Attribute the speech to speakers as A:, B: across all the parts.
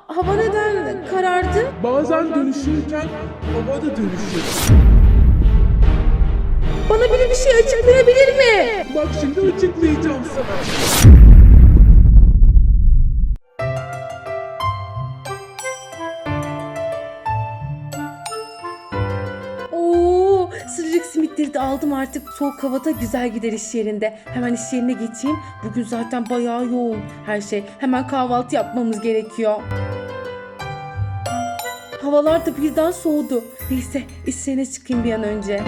A: hava neden karardı?
B: Bazen dönüşürken hava da dönüşür.
A: Bana biri bir şey açıklayabilir mi?
B: Bak şimdi açıklayacağım sana.
A: Oo, sıcacık simitleri de aldım artık. Soğuk havada güzel gider iş yerinde. Hemen iş yerine geçeyim. Bugün zaten bayağı yoğun her şey. Hemen kahvaltı yapmamız gerekiyor. Havalar da birden soğudu. Neyse iş yerine çıkayım bir an önce.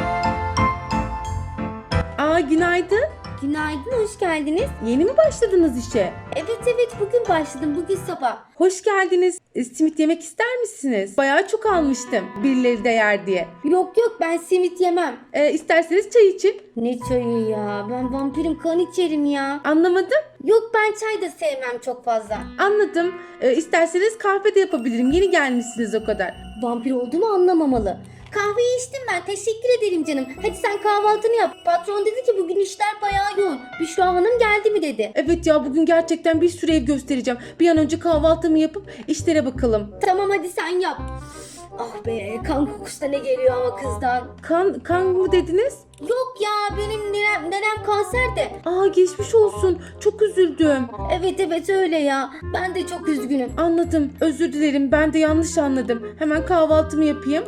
A: Günaydın.
C: Günaydın, hoş geldiniz.
A: Yeni mi başladınız işe?
C: Evet bugün başladım, bugün sabah.
A: Hoş geldiniz. Simit yemek ister misiniz? Bayağı çok almıştım. Birileri de yer diye.
C: Yok ben simit yemem.
A: İsterseniz çay için.
C: Ne çayı ya, ben vampirim, kan içerim ya.
A: Anlamadım.
C: Yok ben çay da sevmem çok fazla.
A: Anladım. İsterseniz kahve de yapabilirim. Yeni gelmişsiniz o kadar.
C: Vampir olduğumu anlamamalı. Kahveyi içtim ben, teşekkür ederim canım. Hadi sen kahvaltını yap. Patron dedi ki bugün işler bayağı yoğun. Büşra Hanım geldi mi dedi.
A: Evet ya bugün gerçekten bir sürü ev göstereceğim. Bir an önce kahvaltımı yapıp işlere bakalım.
C: Tamam hadi sen yap. Ah be, kan kokusu da ne geliyor ama kızdan.
A: Kan mı dediniz?
C: Yok ya, benim nenem kanser de.
A: Geçmiş olsun. Çok üzüldüm.
C: Evet öyle ya. Ben de çok üzgünüm.
A: Anladım. Özür dilerim. Ben de yanlış anladım. Hemen kahvaltımı yapayım.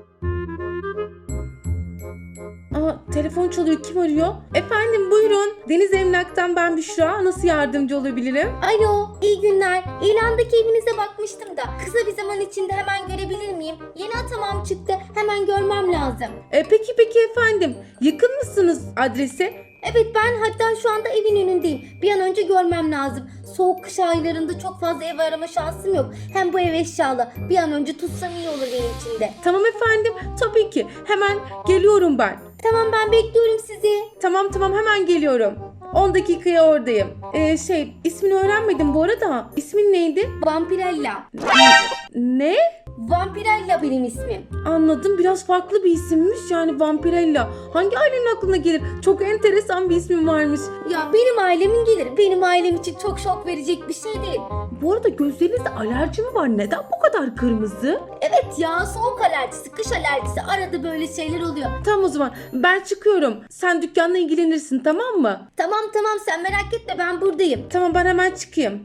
A: Telefon çalıyor. Kim arıyor? Efendim buyurun. Deniz Emlak'tan ben Büşra. Nasıl yardımcı olabilirim?
C: Alo, iyi günler. İlandaki evinize bakmıştım da kısa bir zaman içinde hemen görebilir miyim? Yeni atamam çıktı. Hemen görmem lazım.
A: Peki efendim. Yakın mısınız adrese?
C: Evet ben hatta şu anda evin önündeyim. Bir an önce görmem lazım. Soğuk kış aylarında çok fazla ev arama şansım yok. Hem bu ev eşyalı. Bir an önce tutsam iyi olur benim için de.
A: Tamam efendim. Tabii ki. Hemen geliyorum ben.
C: Tamam ben bekliyorum sizi.
A: Tamam hemen geliyorum. 10 dakikaya oradayım. İsmini öğrenmedim bu arada. İsmin neydi?
C: Vampirella.
A: Ne?
C: Vampirella benim ismim.
A: Anladım. Biraz farklı bir isimmiş. Yani Vampirella. Hangi ailenin aklına gelir? Çok enteresan bir ismin varmış.
C: Ya benim ailemin gelir. Benim ailem için çok şok verecek bir şey değil.
A: Bu arada gözlerinizde alerji mi var? Neden bu kadar kırmızı?
C: Evet ya, soğuk alerjisi, kış alerjisi, arada böyle şeyler oluyor.
A: Tamam o zaman. Ben çıkıyorum. Sen dükkanla ilgilenirsin tamam mı?
C: Tamam sen merak etme, ben buradayım.
A: Tamam ben hemen çıkayım.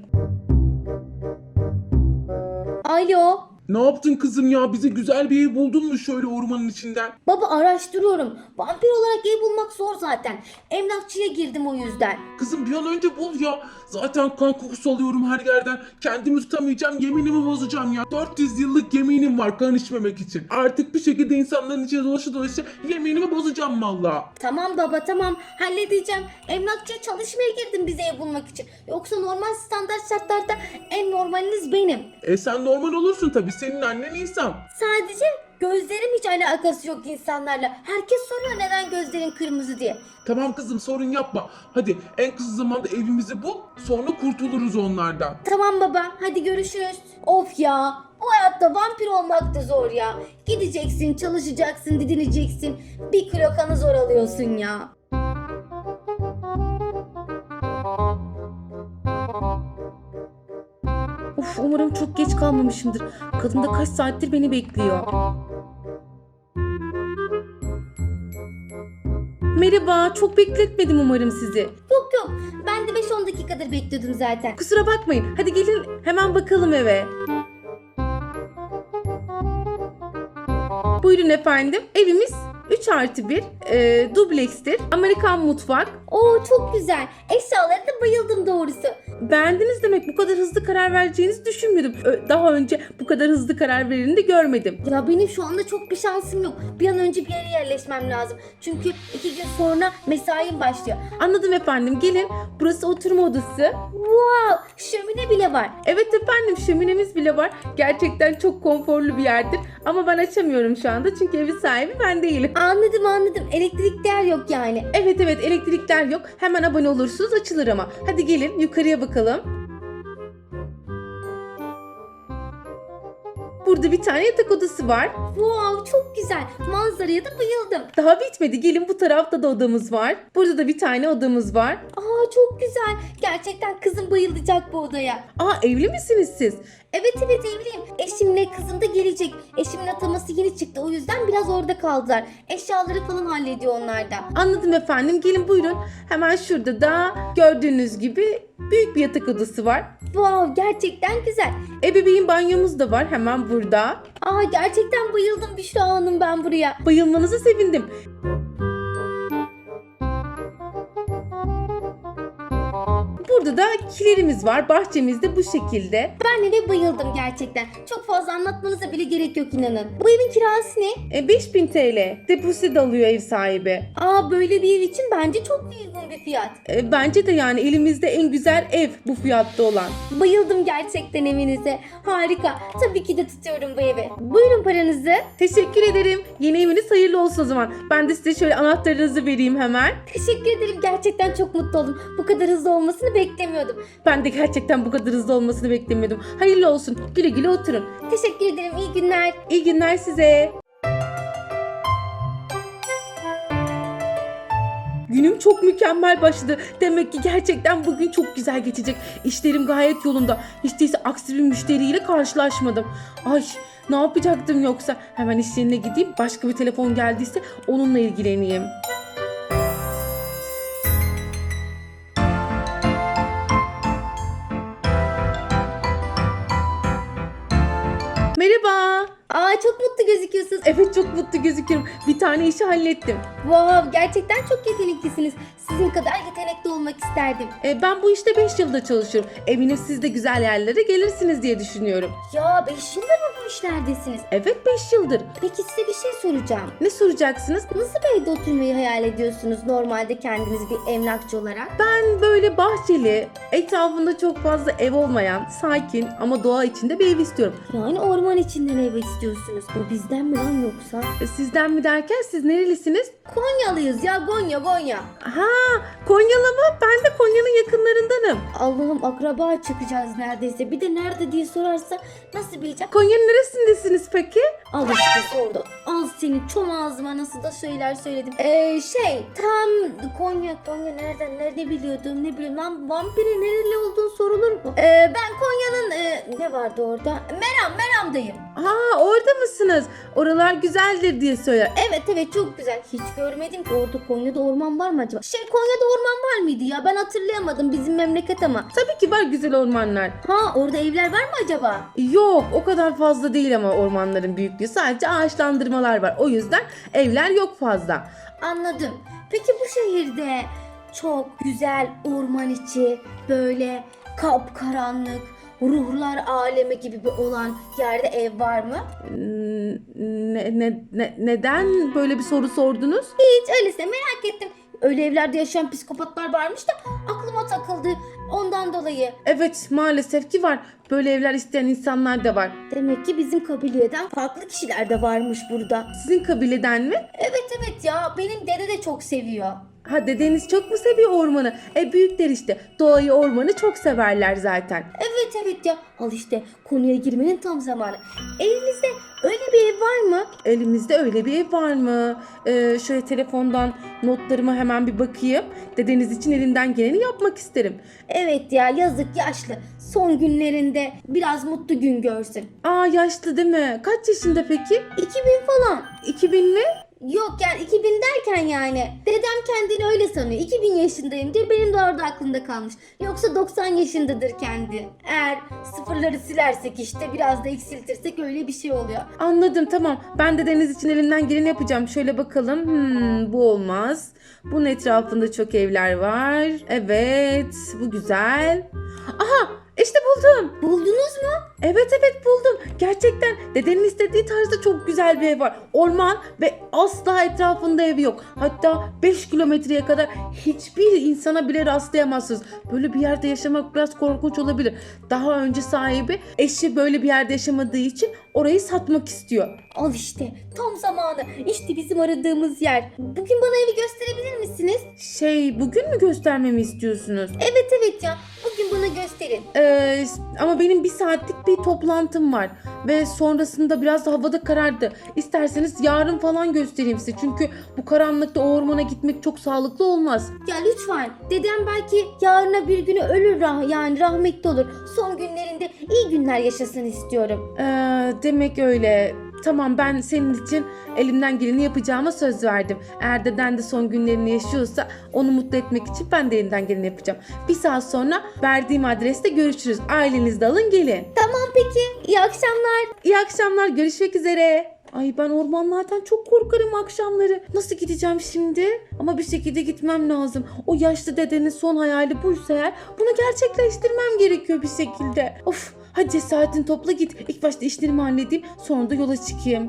C: Alo.
B: Ne yaptın kızım ya? Bize güzel bir ev buldun mu şöyle ormanın içinden?
C: Baba araştırıyorum. Vampir olarak ev bulmak zor zaten. Emlakçıya girdim o yüzden.
B: Kızım bir an önce bul ya. Zaten kan kokusu alıyorum her yerden. Kendimi tutamayacağım, yeminimi bozacağım ya. 400 yıllık yeminim var kan içmemek için. Artık bir şekilde insanların içine dolaşa yeminimi bozacağım valla.
C: Tamam baba tamam, halledeceğim. Emlakçıya çalışmaya girdim bize ev bulmak için. Yoksa normal standart şartlarda en normaliniz benim.
B: Sen normal olursun tabii. Senin annen insan.
C: Sadece gözlerim hiç alakası yok insanlarla. Herkes soruyor neden gözlerin kırmızı diye.
B: Tamam kızım sorun yapma. Hadi en kısa zamanda evimizi bul. Sonra kurtuluruz onlardan.
C: Tamam baba, hadi görüşürüz. Of ya, bu hayatta vampir olmak da zor ya. Gideceksin, çalışacaksın, didineceksin. 1 kilo kanı zor alıyorsun ya.
A: Umarım çok geç kalmamışımdır. Kadın da kaç saattir beni bekliyor. Merhaba, çok bekletmedim umarım sizi.
C: Yok, ben de 5-10 dakikadır bekliyordum zaten.
A: Kusura bakmayın. Hadi gelin hemen bakalım eve. Buyurun efendim. Evimiz 3+1 dublekstir. Amerikan mutfak.
C: Oo çok güzel. Eşyalarına bayıldım doğrusu.
A: Beğendiniz demek, bu kadar hızlı karar vereceğinizi düşünmüyordum. Daha önce bu kadar hızlı karar vereni de görmedim.
C: Ya benim şu anda çok bir şansım yok. Bir an önce bir yere yerleşmem lazım. Çünkü 2 gün sonra mesaim başlıyor.
A: Anladım efendim, gelin. Burası oturma odası.
C: Wow, şömine bile var.
A: Evet efendim, şöminemiz bile var. Gerçekten çok konforlu bir yerdir. Ama ben açamıyorum şu anda çünkü evi sahibi ben değilim.
C: Anladım. Elektrikler yok yani.
A: Evet elektrikler yok. Hemen abone olursunuz, açılır ama. Hadi gelin yukarıya bakalım. Burada bir tane yatak odası var.
C: Wow, çok güzel. Manzaraya da bayıldım.
A: Daha bitmedi. Gelin, bu tarafta da odamız var. Burada da bir tane odamız var.
C: Aa, çok güzel. Gerçekten kızım bayılacak bu odaya.
A: Aa, evli misiniz siz?
C: Evet evliyim. Eşimle kızım da gelecek. Eşimin ataması yeni çıktı, o yüzden biraz orada kaldılar. Eşyaları falan hallediyor onlar da.
A: Anladım efendim. Gelin buyurun. Hemen şurada da gördüğünüz gibi büyük bir yatak odası var.
C: Wow, gerçekten güzel.
A: Ebeveyn banyomuz da var hemen burada.
C: Aa, gerçekten bayıldım Büşra Hanım ben buraya.
A: Bayılmanıza sevindim. Burada da kilerimiz var. Bahçemiz de bu şekilde.
C: Ben eve bayıldım gerçekten. Çok fazla anlatmanıza bile gerek yok inanın. Bu evin kirası ne?
A: 5000 TL. Depozito alıyor ev sahibi.
C: Aa, böyle bir ev için bence çok uygun bir fiyat.
A: Bence de yani elimizde en güzel ev bu fiyatta olan.
C: Bayıldım gerçekten evinize. Harika. Tabii ki de tutuyorum bu evi. Buyurun paranızı.
A: Teşekkür ederim. Yeni eviniz hayırlı olsun o zaman. Ben de size şöyle anahtarınızı vereyim hemen.
C: Teşekkür ederim. Gerçekten çok mutlu oldum. Bu kadar hızlı olmasını beklemiyordum.
A: Ben de gerçekten bu kadar hızlı olmasını beklemiyordum. Hayırlı olsun. Güle güle oturun.
C: Teşekkür ederim. İyi günler.
A: İyi günler size. Günüm çok mükemmel başladı. Demek ki gerçekten bugün çok güzel geçecek. İşlerim gayet yolunda. Hiç değilse aksi bir müşteriyle karşılaşmadım. Ay, ne yapacaktım yoksa? Hemen iş yerine gideyim. Başka bir telefon geldiyse onunla ilgileneyim. Merhaba.
C: Aa, çok mutlu gözüküyorsunuz.
A: Evet, çok mutlu gözüküyorum. Bir tane işi hallettim.
C: Wow, gerçekten çok yeteneklisiniz. Sizin kadar yetenekli olmak isterdim.
A: Ben bu işte 5 yılda çalışıyorum. Eminim siz de güzel yerlere gelirsiniz diye düşünüyorum.
C: Ya 5 yıldır mı bu işlerdesiniz?
A: Evet, 5 yıldır.
C: Peki size bir şey soracağım.
A: Ne soracaksınız?
C: Nasıl bir evde oturmayı hayal ediyorsunuz normalde kendiniz bir emlakçı olarak?
A: Ben böyle bahçeli, etrafında çok fazla ev olmayan, sakin ama doğa içinde bir ev istiyorum.
C: Yani orman içinden ev istiyorsunuz. Bu bizden mi lan yoksa?
A: Sizden mi derken siz nerelisiniz?
C: Konyalıyız ya, Gonya.
A: Ha, Konyalı mı? Ben de Konya'nın yakınlarındanım.
C: Allah'ım, akraba çıkacağız neredeyse. Bir de nerede diye sorarsa nasıl bileceğim?
A: Konya'nın neresindesiniz peki?
C: Al işte sordu. Al senin çom ağzıma nasıl da şeyler söyledim. Tam Konya nerede biliyordum ne bileyim lan, vampirin nereli olduğunu sorulur mu? Ben Konya'nın ne vardı orada? Meram'dayım.
A: Ha, orada mısınız? Oralar güzeldir diye söyler.
C: Evet çok güzel. Hiç görmedim ki orada, Konya'da orman var mı acaba? Konya'da orman var mıydı ya? Ben hatırlayamadım, bizim memleket ama.
A: Tabii ki var güzel ormanlar.
C: Ha, orada evler var mı acaba?
A: Yok, o kadar fazla değil ama ormanların büyüklüğü. Sadece ağaçlandırmalar var. O yüzden evler yok fazla.
C: Anladım. Peki bu şehirde çok güzel orman içi, böyle kapkaranlık, ruhlar alemi gibi bir olan yerde ev var mı?
A: Neden böyle bir soru sordunuz?
C: Hiç, öylesine merak ettim. Öyle evlerde yaşayan psikopatlar varmış da aklıma takıldı. Ondan dolayı.
A: Evet, maalesef ki var. Böyle evler isteyen insanlar da var.
C: Demek ki bizim kabileden farklı kişiler de varmış burada.
A: Sizin kabileden mi?
C: Evet ya, benim dede de çok seviyor.
A: Ha, dedeniz çok mu seviyor ormanı? Büyükler işte. Doğayı, ormanı çok severler zaten.
C: Evet ya. Al işte, konuya girmenin tam zamanı. Elinizde öyle bir ev var mı?
A: Elimizde öyle bir ev var mı? Şöyle telefondan notlarıma hemen bir bakayım. Dedeniz için elimden geleni yapmak isterim.
C: Evet ya, yazık, yaşlı. Son günlerinde biraz mutlu gün görsün.
A: Aa, yaşlı değil mi? Kaç yaşında peki?
C: 2000 falan.
A: 2000 mi?
C: Yok yani 2000 derken yani. Dedem kendini öyle sanıyor. 2000 yaşındayım diye, benim de orada aklımda kalmış. Yoksa 90 yaşındadır kendi. Eğer sıfırları silersek işte, biraz da eksiltirsek öyle bir şey oluyor.
A: Anladım, tamam. Ben de deniz için elimden geleni yapacağım. Şöyle bakalım. Bu olmaz. Bunun etrafında çok evler var. Evet, bu güzel. Aha, işte buldum.
C: Buldunuz mu?
A: Evet buldum. Gerçekten dedenin istediği tarzda çok güzel bir ev var. Orman ve asla etrafında evi yok. Hatta 5 kilometreye kadar hiçbir insana bile rastlayamazsınız. Böyle bir yerde yaşamak biraz korkunç olabilir. Daha önce sahibi eşi böyle bir yerde yaşamadığı için orayı satmak istiyor.
C: Al işte, tam zamanı. İşte bizim aradığımız yer. Bugün bana evi gösterebilir misiniz?
A: Bugün mü göstermemi istiyorsunuz?
C: Evet ya. Bugün bana bana gösterin.
A: Ama benim 1 saatlik bir toplantım var. Ve sonrasında biraz da havada karardı. İsterseniz yarın falan göstereyim size. Çünkü bu karanlıkta o ormana gitmek çok sağlıklı olmaz.
C: Ya lütfen. Dedem belki yarına bir günü ölür yani rahmetli olur. Son günlerinde iyi günler yaşasın istiyorum.
A: Demek öyle. Tamam, ben senin için elimden geleni yapacağıma söz verdim. Eğer deden de son günlerini yaşıyorsa onu mutlu etmek için ben de elimden geleni yapacağım. 1 saat sonra verdiğim adreste görüşürüz. Ailenizi de alın gelin.
C: Tamam peki. İyi akşamlar.
A: İyi akşamlar, görüşmek üzere. Ay ben ormanlardan çok korkarım akşamları. Nasıl gideceğim şimdi? Ama bir şekilde gitmem lazım. O yaşlı dedenin son hayali buysa eğer bunu gerçekleştirmem gerekiyor bir şekilde. Of, hadi cesaretini topla git. İlk başta işlerimi halledeyim, sonra da yola çıkayım.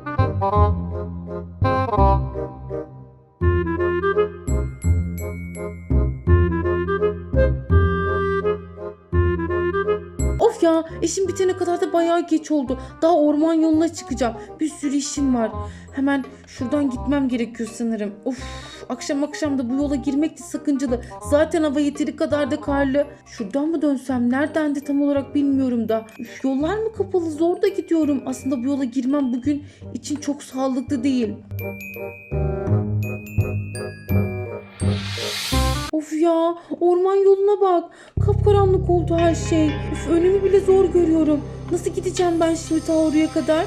A: Of ya, işim bitene kadar da bayağı geç oldu. Daha orman yoluna çıkacağım. Bir sürü işim var. Hemen şuradan gitmem gerekiyor sanırım. Of, akşam da bu yola girmek de sakıncalı. Zaten hava yeteri kadar da karlı. Şuradan mı dönsem? Nereden de tam olarak bilmiyorum da. Üf, yollar mı kapalı? Zor da gidiyorum. Aslında bu yola girmem bugün için çok sağlıklı değil. Of ya, orman yoluna bak. Kapkaranlık oldu her şey. Üf, önümü bile zor görüyorum. Nasıl gideceğim ben şimdi ta oraya kadar?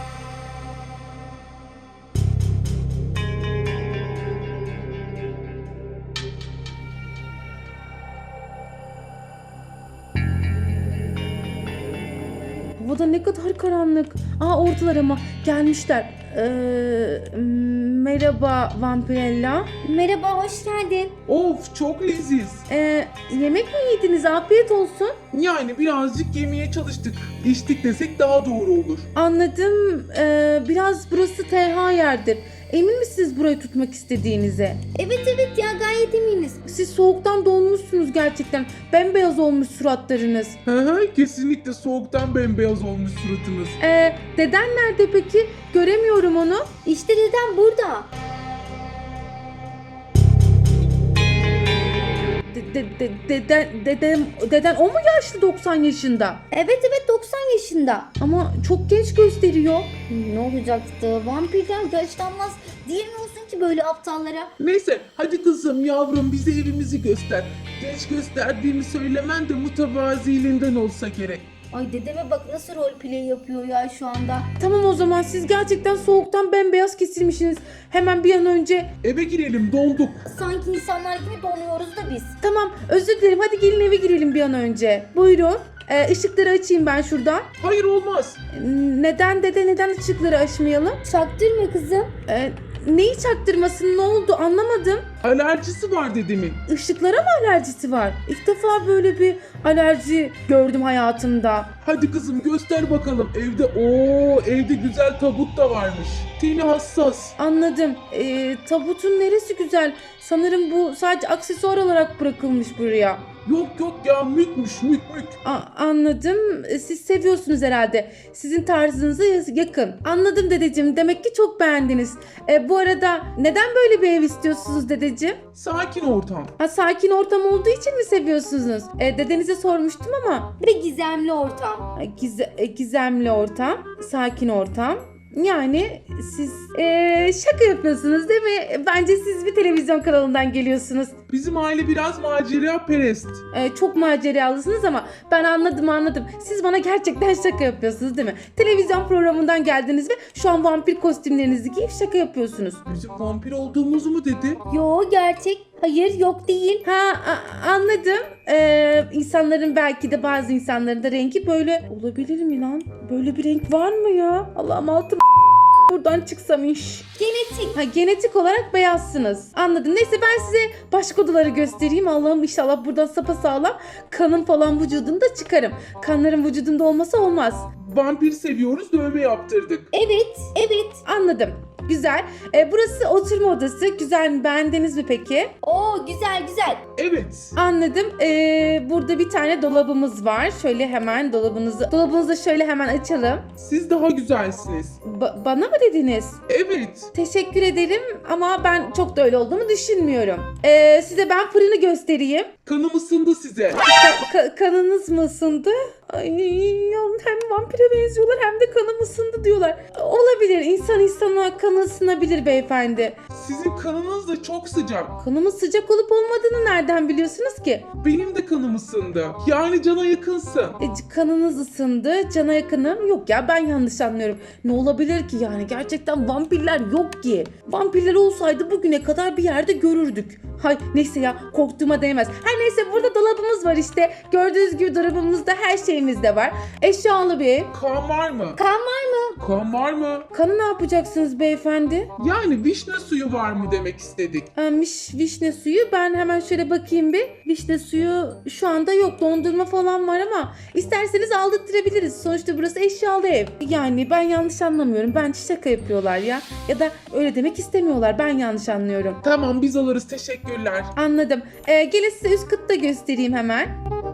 A: Havada ne kadar karanlık. Oradalar ama gelmişler. Merhaba Vampirella.
C: Merhaba, hoş geldin.
B: Of, çok leziz.
A: Yemek mi yediniz? Afiyet olsun.
B: Yani birazcık yemeye çalıştık. İçtik desek daha doğru olur.
A: Anladım. Biraz burası tenha yerdir. Emin misiniz burayı tutmak istediğinize?
C: Evet ya, gayet eminiz.
A: Siz soğuktan donmuşsunuz gerçekten. Bembeyaz olmuş suratlarınız.
B: Kesinlikle soğuktan bembeyaz olmuş suratınız.
A: Deden nerede peki? Göremiyorum onu.
C: İşte dedem burada.
A: Deden o mu yaşlı 90 yaşında?
C: Evet 90 yaşında.
A: Ama çok genç gösteriyor.
C: Ne olacaktı? Vampirler yaşlanmaz. Diye mi olsun ki böyle aptallara?
B: Neyse, hadi kızım yavrum bize evimizi göster. Geç gösterdiğimi söylemen de mütevaziliğinden olsa gerek.
C: Ay dedeme bak nasıl roleplay yapıyor ya şu anda.
A: Tamam, o zaman siz gerçekten soğuktan bembeyaz kesilmişsiniz. Hemen bir an önce.
B: Eve girelim, donduk.
C: Sanki insanlar gibi donuyoruz da biz.
A: Tamam, özür dilerim, hadi gelin eve girelim bir an önce. Buyurun. Işıkları açayım ben şuradan.
B: Hayır, olmaz.
A: Neden ışıkları açmayalım?
C: Çaktırma kızım.
A: Neyi çaktırmasın, ne oldu anlamadım.
B: Alerjisi var dedemin.
A: Işıklara mı alerjisi var? İlk defa böyle bir alerji gördüm hayatımda.
B: Hadi kızım göster bakalım. Evde güzel tabut da varmış. Teni hassas.
A: Anladım. Tabutun neresi güzel? Sanırım bu sadece aksesuar olarak bırakılmış buraya.
B: Yok ya, mükmüş mük.
A: Anladım. Siz seviyorsunuz herhalde. Sizin tarzınıza yakın. Anladım dedeciğim. Demek ki çok beğendiniz. Bu arada neden böyle bir ev istiyorsunuz dedeciğim?
B: Sakin ortam.
A: Sakin ortam olduğu için mi seviyorsunuz? Dedenize sormuştum ama.
C: Ve gizemli ortam.
A: Gizemli ortam, sakin ortam. Yani siz şaka yapıyorsunuz değil mi? Bence siz bir televizyon kanalından geliyorsunuz.
B: Bizim aile biraz macera perest.
A: Çok maceralısınız ama ben anladım. Siz bana gerçekten şaka yapıyorsunuz değil mi? Televizyon programından geldiniz ve şu an vampir kostümlerinizi giyip şaka yapıyorsunuz.
B: Bizim vampir olduğumuzu mu dedi?
C: Yo, gerçek. Hayır, yok değil.
A: Anladım. İnsanların belki de bazı insanların da rengi böyle olabilir mi lan? Böyle bir renk var mı ya? Allah'ım altım buradan çıksam iş.
C: Genetik.
A: Genetik olarak beyazsınız. Anladım. Neyse ben size başka odaları göstereyim. Allah'ım inşallah buradan sapasağlam kanım falan vücudumda çıkarım. Kanların vücudunda olmasa olmaz.
B: Vampir seviyoruz, dövme yaptırdık.
C: Evet.
A: Anladım. güzel. Burası oturma odası. Güzel mi? Beğendiniz mi peki?
C: Oo güzel güzel.
B: Evet.
A: Anladım. Burada bir tane dolabımız var. Şöyle hemen dolabınızı şöyle hemen açalım.
B: Siz daha güzelsiniz.
A: Bana mı dediniz?
B: Evet.
A: Teşekkür ederim ama ben çok da öyle olduğumu düşünmüyorum. Size ben fırını göstereyim.
B: Kanım ısındı size.
A: Kanınız mı ısındı? Ay, ya hem vampire benziyorlar hem de kanım ısındı diyorlar. Olabilir. İnsan insana kanı ısınabilir beyefendi.
B: Sizin kanınız da çok sıcak.
A: Kanımın sıcak olup olmadığını nereden biliyorsunuz ki?
B: Benim de kanım ısındı. Yani cana yakınsın.
A: Kanınız ısındı, cana yakınım. Yok ya, ben yanlış anlıyorum. Ne olabilir ki yani? Gerçekten vampirler yok ki. Vampirler olsaydı bugüne kadar bir yerde görürdük. Hay neyse ya, korktuğuma değmez. Her neyse, burada dolabımız var işte. Gördüğünüz gibi dolabımızda her şeyimiz de var. Eşyalı bir ev.
B: Kan var mı?
C: Kan var mı?
B: Kan var mı?
A: Kanı ne yapacaksınız beyefendi?
B: Yani vişne suyu var mı demek istedik.
A: Vişne suyu. Ben hemen şöyle bakayım bir. Vişne suyu şu anda yok. Dondurma falan var ama isterseniz aldırtırabiliriz. Sonuçta burası eşyalı ev. Yani ben yanlış anlamıyorum. Bence şaka yapıyorlar ya. Ya da öyle demek istemiyorlar. Ben yanlış anlıyorum.
B: Tamam, biz alırız, teşekkürler.
A: Anladım. Gelin size üst katı da göstereyim hemen.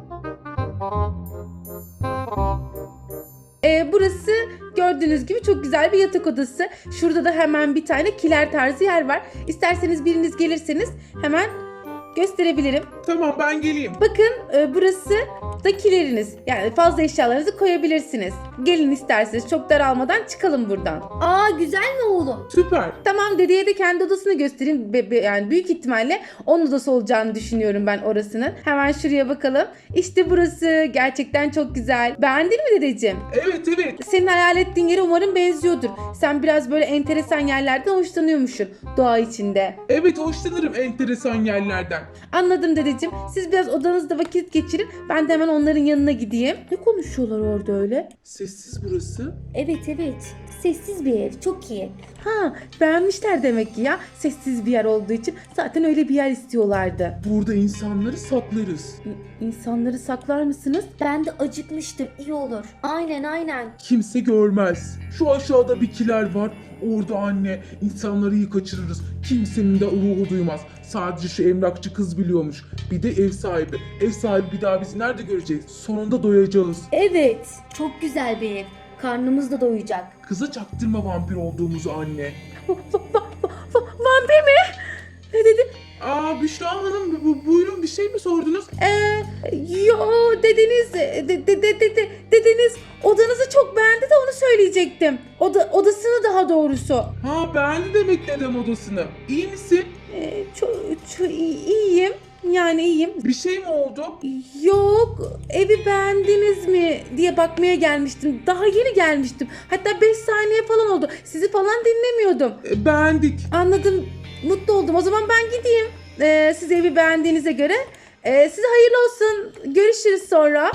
A: Burası gördüğünüz gibi çok güzel bir yatak odası. Şurada da hemen bir tane kiler tarzı yer var. İsterseniz biriniz gelirseniz hemen gösterebilirim.
B: Tamam, ben geleyim.
A: Bakın burası da kileriniz. Yani fazla eşyalarınızı koyabilirsiniz. Gelin isterseniz, çok daralmadan çıkalım buradan.
C: Aa güzel mi oğlum?
B: Süper.
A: Tamam, dedeye de kendi odasını göstereyim. Yani büyük ihtimalle onun odası olacağını düşünüyorum ben orasının. Hemen şuraya bakalım. İşte burası gerçekten çok güzel. Beğendin mi dedeciğim?
B: Evet evet.
A: Senin hayal ettiğin yere umarım benziyordur. Sen biraz böyle enteresan yerlerden hoşlanıyormuşsun doğa içinde.
B: Evet, hoşlanırım enteresan yerlerden.
A: Anladım dedeciğim. Siz biraz odanızda vakit geçirin. Ben de hemen onların yanına gideyim. Ne konuşuyorlar orada öyle?
B: Sessiz burası.
C: Evet evet. Sessiz bir ev. Çok iyi.
A: Ha, beğenmişler demek ki ya. Sessiz bir yer olduğu için zaten öyle bir yer istiyorlardı.
B: Burada insanları saklarız.
A: İnsanları saklar mısınız?
C: Ben de acıkmıştım. İyi olur. Aynen aynen.
B: Kimse görmez. Şu aşağıda bir kiler var. Orada anne, insanları iyi kaçırırız. Kimsenin de ruhu duymaz. Sadece şu emlakçı kız biliyormuş. Bir de ev sahibi. Ev sahibi bir daha bizi nerede görecek? Sonunda doyacağız.
C: Evet. Çok güzel bir ev. Karnımız da doyacak.
B: Kıza çaktırma vampir olduğumuzu anne.
A: Vampir mi? Ne dedi?
B: Aa, Büşra Hanım, buyurun, bir şey mi sordunuz?
A: Yo, dediniz dediniz odanızı çok beğendi de onu söyleyecektim. Odasını daha doğrusu.
B: Ha, beğendi demek dedem odasını. İyi misin?
A: Çok iyiyim. Yani iyiyim.
B: Bir şey mi oldu?
A: Yok, evi beğendiniz mi diye bakmaya gelmiştim. Daha yeni gelmiştim. Hatta 5 saniye falan oldu. Sizi falan dinlemiyordum.
B: Beğendik.
A: Anladım. Mutlu oldum. O zaman ben gideyim. Siz evi beğendiğinize göre. Size hayırlı olsun. Görüşürüz sonra.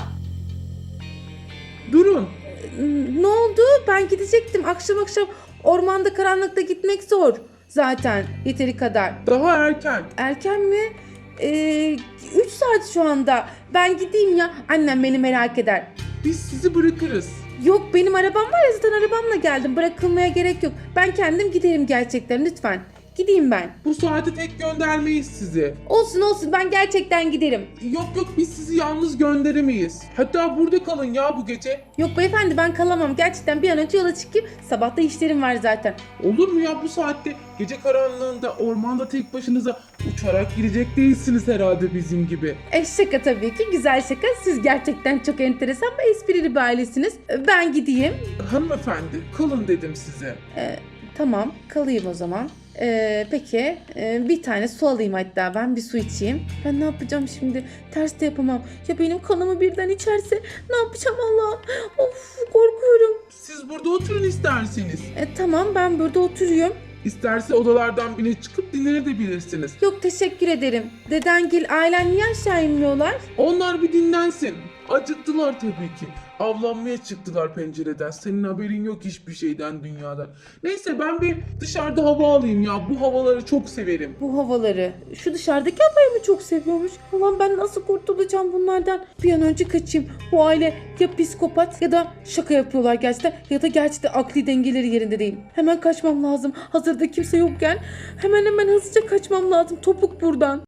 B: Durun.
A: Ne oldu? Ben gidecektim. Akşam ormanda karanlıkta gitmek zor. Zaten yeteri kadar.
B: Daha erken.
A: Erken mi? 3 saat şu anda. Ben gideyim ya. Annem beni merak eder.
B: Biz sizi bırakırız.
A: Yok, benim arabam var ya, zaten arabamla geldim. Bırakılmaya gerek yok. Ben kendim giderim gerçekten, lütfen. Gideyim ben.
B: Bu saate tek göndermeyiz sizi.
A: Olsun, ben gerçekten giderim.
B: Yok, biz sizi yalnız gönderemeyiz. Hatta burada kalın ya bu gece.
A: Yok beyefendi, ben kalamam. Gerçekten bir an önce yola çıkayım. Sabah da işlerim var zaten.
B: Olur mu ya bu saatte? Gece karanlığında ormanda tek başınıza uçarak gidecek değilsiniz herhalde bizim gibi.
A: Şaka tabii ki. Güzel şaka. Siz gerçekten çok enteresan ve esprili bir ailesiniz. Ben gideyim.
B: Hanımefendi, kalın dedim size.
A: Tamam, kalayım o zaman. Peki, bir tane su alayım, hatta ben bir su içeyim. Ben ne yapacağım şimdi? Ters de yapamam. Ya benim kanımı birden içerse ne yapacağım Allah? Of, korkuyorum.
B: Siz burada oturun isterseniz.
A: Tamam, ben burada oturuyorum.
B: İsterse odalardan birine çıkıp dinlenebilirsiniz.
A: Yok, teşekkür ederim. Dedengil, ailen niye aşağı inmiyorlar?
B: Onlar bir dinlensin. Acıktılar tabii ki. Avlanmaya çıktılar pencereden. Senin haberin yok hiçbir şeyden dünyada. Neyse ben bir dışarıda hava alayım ya. Bu havaları çok severim.
A: Bu havaları. Şu dışarıdaki havayı mı çok seviyormuş? Ulan ben nasıl kurtulacağım bunlardan? Bir an önce kaçayım. Bu aile ya psikopat ya da şaka yapıyorlar gerçekten. Ya da gerçekten akli dengeleri yerinde değil. Hemen kaçmam lazım. Hazırda kimse yokken hemen hızlıca kaçmam lazım. Topuk buradan.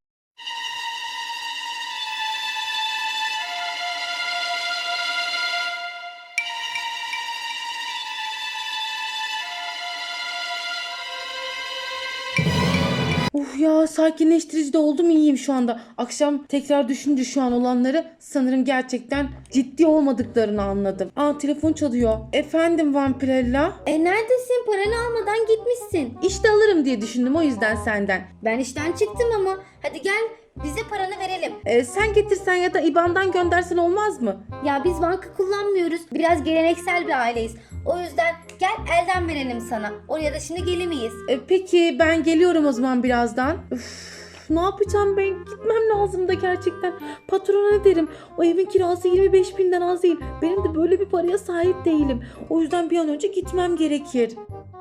A: Ya sakinleştirici de oldum, iyiyim şu anda. Akşam tekrar düşünce şu an olanları sanırım gerçekten ciddi olmadıklarını anladım. Telefon çalıyor. Efendim Vampirella?
C: Neredesin? Paranı almadan gitmişsin.
A: İşte alırım diye düşündüm, o yüzden senden.
C: Ben işten çıktım ama. Hadi gel bize paranı verelim.
A: Sen getirsen ya da IBAN'dan göndersen olmaz mı?
C: Ya biz banka kullanmıyoruz. Biraz geleneksel bir aileyiz. O yüzden gel elden verelim sana. Oraya da şimdi gelemeyiz.
A: Peki ben geliyorum o zaman birazdan. Ne yapacağım ben? Gitmem lazım da gerçekten. Patrona ne derim? O evin kirası 25.000'den az değil. Benim de böyle bir paraya sahip değilim. O yüzden bir an önce gitmem gerekir.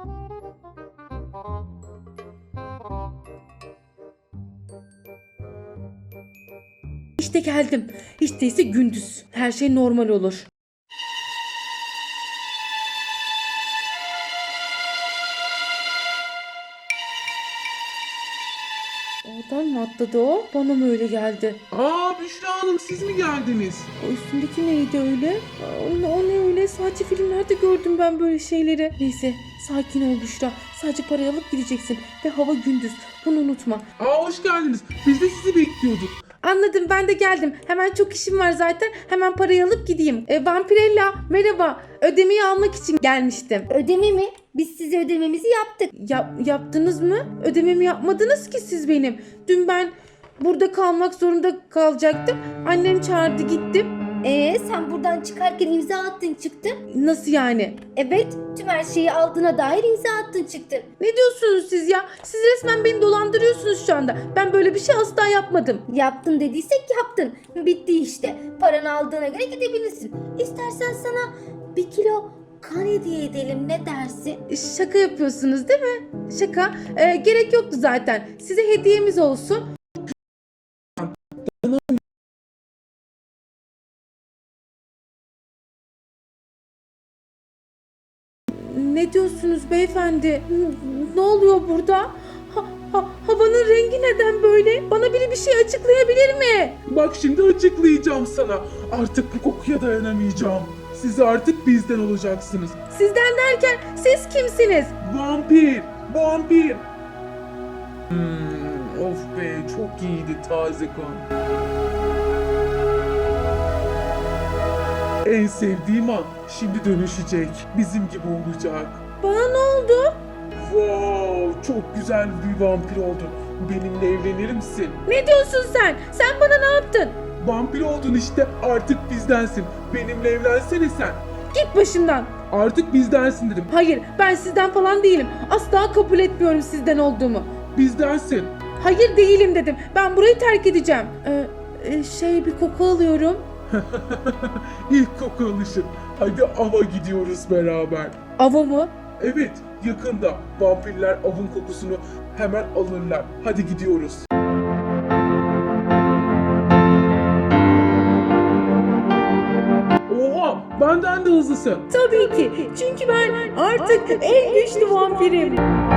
A: İşte geldim. İşte ise gündüz. Her şey normal olur. Oradan mı atladı o? Bana mı öyle geldi?
B: Büşra Hanım siz mi geldiniz?
A: O üstündeki neydi öyle? O ne öyle? Sadece filmlerde gördüm ben böyle şeyleri. Neyse sakin ol Büşra. Sadece parayı alıp gideceksin. Ve hava gündüz. Bunu unutma.
B: Hoş geldiniz. Biz de sizi bekliyorduk.
A: Anladım, ben de geldim. Hemen çok işim var zaten. Hemen parayı alıp gideyim. Vampirella merhaba. Ödemeyi almak için gelmiştim.
C: Ödeme mi? Biz size ödememizi yaptık.
A: Yaptınız mı? Ödememi yapmadınız ki siz benim. Dün ben burada kalmak zorunda kalacaktım. Annem çağırdı, gittim.
C: Sen buradan çıkarken imza attın çıktın.
A: Nasıl yani?
C: Evet, tüm her şeyi aldığına dair imza attın çıktın.
A: Ne diyorsunuz siz ya? Siz resmen beni dolandırıyorsunuz şu anda. Ben böyle bir şey asla yapmadım.
C: Yaptın dediysek yaptın. Bitti işte. Paranı aldığına göre gidebilirsin. İstersen sana 1 kilo kan hediye edelim, ne dersin?
A: Şaka yapıyorsunuz değil mi? Şaka. Gerek yoktu zaten. Size hediyemiz olsun. Ne diyorsunuz beyefendi? Ne oluyor burada? Havanın rengi neden böyle? Bana biri bir şey açıklayabilir mi?
B: Bak şimdi açıklayacağım sana. Artık bu kokuya dayanamayacağım. Siz artık bizden olacaksınız.
A: Sizden derken siz kimsiniz?
B: Vampir! Vampir! Of be çok iyiydi taze kan. En sevdiğim an şimdi dönüşecek. Bizim gibi olacak.
A: Bana ne oldu?
B: Wow, çok güzel bir vampir oldun. Benimle evlenir misin?
A: Ne diyorsun sen? Sen bana ne yaptın?
B: Vampir oldun işte, artık bizdensin. Benimle evlensene sen.
A: Git başımdan.
B: Artık bizdensin dedim.
A: Hayır, ben sizden falan değilim. Asla kabul etmiyorum sizden olduğumu.
B: Bizdensin.
A: Hayır, değilim dedim. Ben burayı terk edeceğim. Bir koku alıyorum.
B: İlk koku alışın. Hadi ava gidiyoruz beraber.
A: Ava mı?
B: Evet, yakında vampirler avın kokusunu hemen alırlar. Hadi gidiyoruz. Oha, benden de hızlısın.
A: Tabii ki. Çünkü ben artık en güçlü vampirim.